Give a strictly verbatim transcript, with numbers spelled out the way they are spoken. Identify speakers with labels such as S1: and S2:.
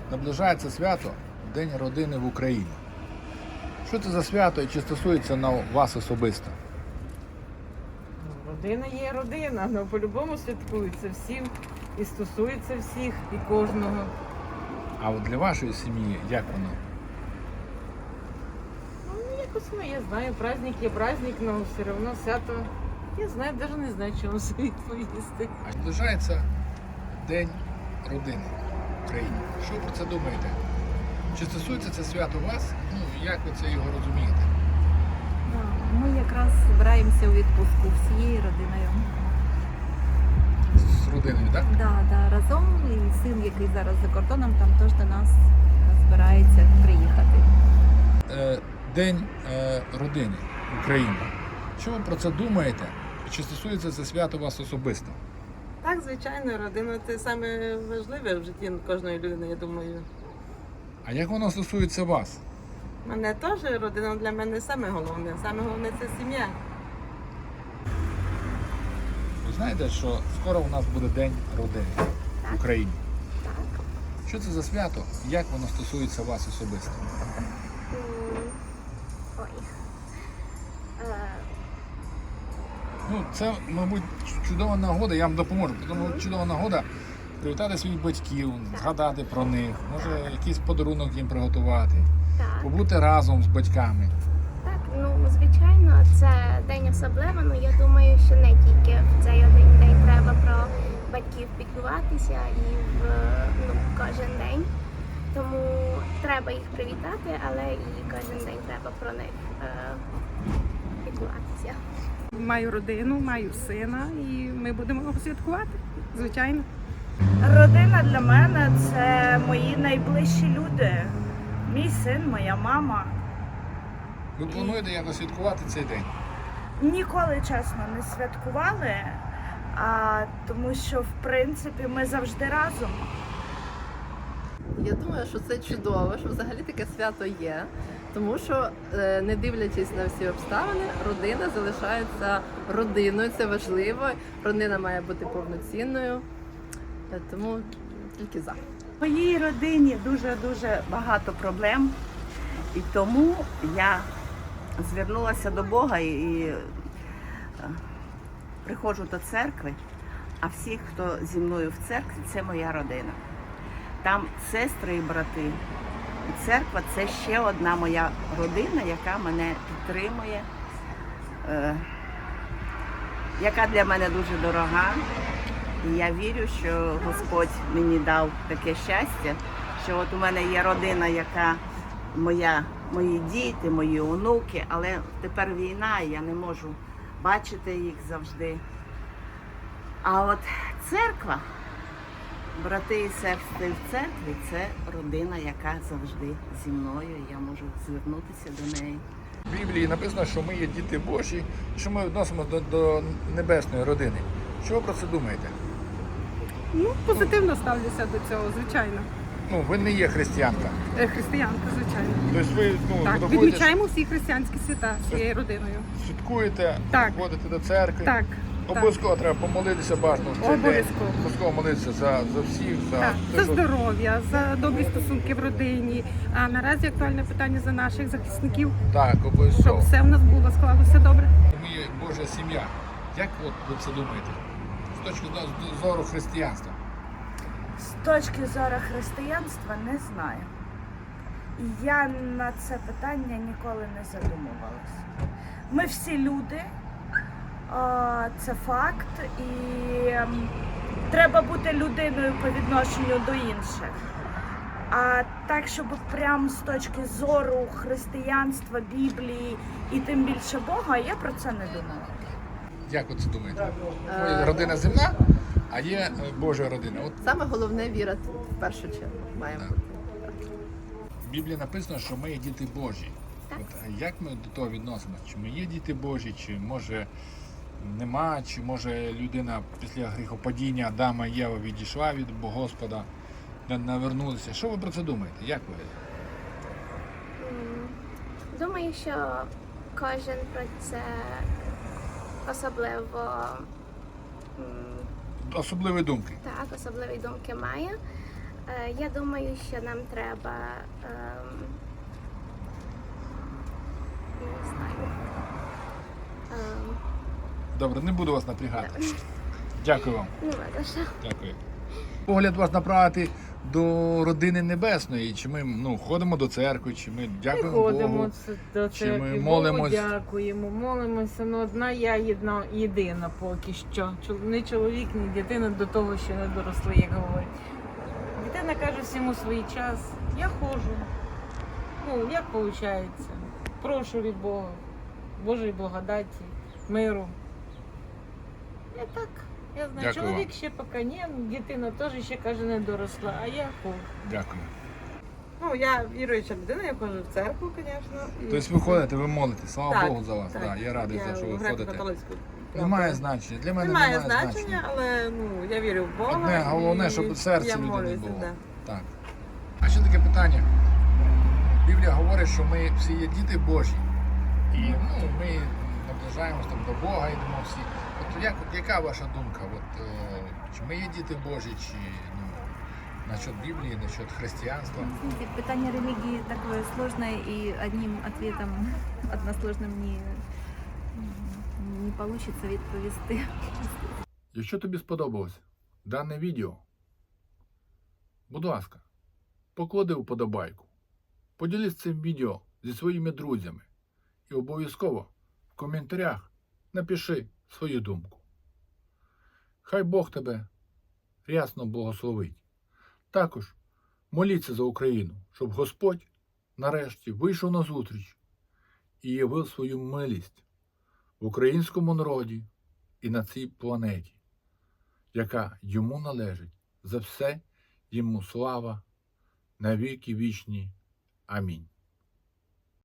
S1: Наближається свято День родини в Україні. Що це за свято і чи стосується на вас особисто?
S2: Родина є родина, але по-любому святкується всім і стосується всіх і кожного.
S1: А от для вашої сім'ї як воно?
S2: Ну, якось ну, я знаю, праздник є праздник, але все одно свято. Я знаю, навіть не знаю, чому собі відповісти.
S1: А наближається День родини в Україні. Що ви про це думаєте? Чи стосується це свято вас? Ну, як ви це його розумієте?
S3: Ми якраз збираємося у відпустку всією родиною.
S1: З родиною, так?
S3: Да, да, разом і син, який зараз за кордоном, там теж до нас збирається приїхати.
S1: Е, День е, родини в Україні. Що ви про це думаєте? Чи стосується це свято вас особисто?
S2: Так, звичайно, родина це саме важливе в житті кожної людини, я думаю.
S1: А як воно стосується вас?
S2: Мене теж родина для мене саме головне. Саме головне це сім'я.
S1: Ви знаєте, що скоро у нас буде День родини в Україні.
S4: Так.
S1: Що це за свято? Як воно стосується вас особисто?
S4: М, Ой. Е,
S1: Ну, це, мабуть, чудова нагода, я вам допоможу. Тому чудова нагода привітати своїх батьків, згадати про них, може якийсь подарунок їм приготувати,
S4: Так,
S1: побути разом з батьками.
S4: так, ну звичайно, це день особливий, але я думаю, що не тільки в цей один день треба про батьків піклуватися і в ну, кожен день. Тому треба їх привітати, але і кожен день треба про них е, піклуватися.
S5: Маю родину, маю сина і ми будемо його святкувати, звичайно.
S6: Родина для мене це мої найближчі люди. Мій син, моя мама.
S1: Ви плануєте якось святкувати цей день?
S6: Ніколи, чесно, не святкували, а, тому що, в принципі, ми завжди разом.
S7: Я думаю, що це чудово, що взагалі таке свято є, тому що, е, не дивлячись на всі обставини, родина залишається родиною, це важливо, родина має бути повноцінною, Е, тому тільки за.
S8: В моїй родині дуже-дуже багато проблем, і тому я звернулася до Бога і, і е, приходжу до церкви, а всі, хто зі мною в церкві, це моя родина. Там сестри і брати. І церква – це ще одна моя родина, яка мене підтримує, е, яка для мене дуже дорога. І я вірю, що Господь мені дав таке щастя, що от у мене є родина, яка моя, мої діти, мої онуки, але тепер війна, і я не можу бачити їх завжди. А от церква, брати і сестри в церкві, це родина, яка завжди зі мною, і я можу звернутися до неї.
S1: В Біблії написано, що ми є діти Божі, що ми відносимося до, до небесної родини. Що ви про це думаєте?
S5: Ну, позитивно ставлюся до цього, звичайно.
S1: Ну, ви не є християнка.
S5: Е, Християнка, звичайно.
S1: Тобто ви ну,
S5: Так,
S1: виходите,
S5: відмічаємо всі християнські свята своєю родиною.
S1: святкуєте,
S5: Так.
S1: ходите до церкви.
S5: Так,
S1: Обов'язково треба помолитися бажано в цей день.
S5: Обов'язково.
S1: Обов'язково молитися за, за всіх, за
S5: так.
S1: те,
S5: За
S1: що-
S5: здоров'я, за добрі стосунки в родині. А наразі актуальне питання за наших захисників,
S1: Так,
S5: щоб
S1: обов'язково.
S5: все в нас було, склалося добре.
S1: Ми є Божа сім'я. Як от ви це думаєте? З точки зору християнства.
S6: З точки зору християнства не знаю. І я на це питання ніколи не задумувалася. Ми всі люди, а, це факт, і ем, треба бути людиною по відношенню до інших. А так, щоб прям з точки зору християнства, Біблії і тим більше Бога, я про це не думала.
S1: Як ви це думаєте? Є родина земна, а є е, Божа родина. От
S7: Саме головне віра в першу чергу має бути.
S1: в Біблії написано, що ми є діти Божі. От, а як ми до того відносимося? Чи ми є діти Божі, чи може нема, чи може людина після гріхопадіння Адама і Єва відійшла від Господа, не навернулися. Що ви про це думаєте? Як ви?
S4: М, Думаю, що кожен про це особливо м,
S1: Особливі думки.
S4: так, особливі думки має. Е, Я думаю, що нам треба ем, не знаю. Ем,
S1: Добре, не буду вас напрягати. Дякую вам.
S4: Нема за що.
S1: Дякую. Погляд вас направити до родини небесної. Чи ми ну, ходимо до церкви, чи ми дякуємо
S2: Приходимо
S1: Богу.
S2: ц- до
S1: Чи
S2: церкви,
S1: ми
S2: Богу
S1: молимось?
S2: дякуємо, молимося. Ну, одна я єдна, єдина поки що. Чол- Ні чоловік, ні дитина до того, що не доросли, як говорять. Дитина каже всьому свій час. Я ходжу. Ну, як виходить? Прошу від Бога, Божої благодаті, миру. Я так. Я знаю,
S1: Дякую
S2: чоловік
S1: вам.
S2: ще поки ні, дитина теж ще каже не доросла, а я ходжу.
S1: Дякую.
S9: Ну, я віруюча людина, я ходжу в церкву, звісно. і-
S1: Тобто ви ходите, ви молитесь, слава
S9: Так,
S1: Богу за вас.
S9: так.
S1: Да, я радий, за що ви ходите.
S9: греко-католицьку
S1: Немає
S9: правду.
S1: значення. Для мене
S9: Немає
S1: немає,
S9: значення,
S1: значення.
S9: але ну, я вірю в Бога.
S1: Одне головне,
S9: і
S1: щоб серце
S9: я
S1: людини
S9: молюся,
S1: було.
S9: да.
S1: Так. А ще таке питання. Біблія говорить, що ми всі є діти Божі. І ну, ми наближаємося там до Бога, йдемо всі. От як, яка ваша думка? От, е, чи ми є діти Божі, чи ну, насчет Біблії, насчет християнства?
S3: Знаете, питание религии такое сложное, и одним ответом односложным не, не получится відповісти.
S1: Якщо тобі сподобалось дане відео, будь ласка, поклади вподобайку, поділись цим відео зі своїми друзями і обов'язково в коментарях напиши свою думку. Хай Бог тебе рясно благословить. Також моліться за Україну, щоб Господь нарешті вийшов на зустріч і явив свою милість в українському народі і на цій планеті, яка йому належить. За все йому слава на віки вічні. Амінь.